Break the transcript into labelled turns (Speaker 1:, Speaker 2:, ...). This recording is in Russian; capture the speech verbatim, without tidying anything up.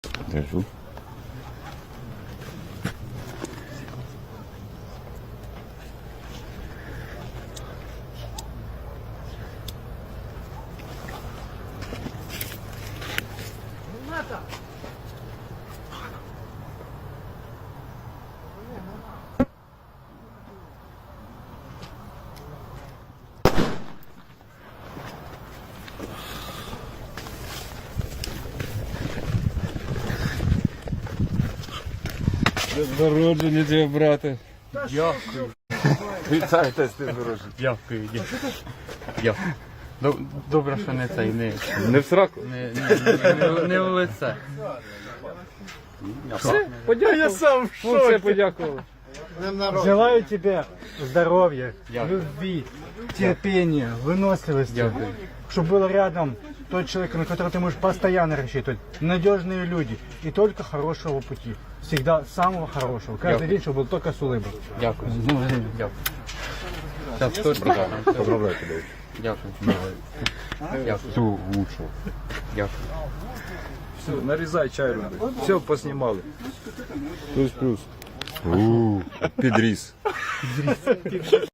Speaker 1: Держу. З народження тебе, брате.
Speaker 2: Дякую.
Speaker 1: Вітайте з тим народженням.
Speaker 2: Дякую. Дякую. Доб- Добре, що не цей, не,
Speaker 1: Не в сраку?
Speaker 2: не, не, не, не в лице.
Speaker 1: Все, подякував. Я сам в шоці. Все подякували.
Speaker 3: Желаю тебе здоровья,
Speaker 2: Дякую.
Speaker 3: любви, терпения, выносливости.
Speaker 2: Дякую.
Speaker 3: Чтобы был рядом тот человек, на которого ты можешь постоянно рассчитывать. Надежные люди и только хорошего пути. Всегда самого хорошего. Каждый
Speaker 2: Дякую.
Speaker 3: день, чтобы был только с улыбкой.
Speaker 2: Дякую. Дякую. Так, хто ж брат?
Speaker 1: Поздравляю тебе.
Speaker 2: Дякую. Дякую.
Speaker 1: Всього лучшого.
Speaker 2: Дякую.
Speaker 4: Все, нарізай чай роби. Все поснімали.
Speaker 1: Плюс-плюс. Ууу, підріс.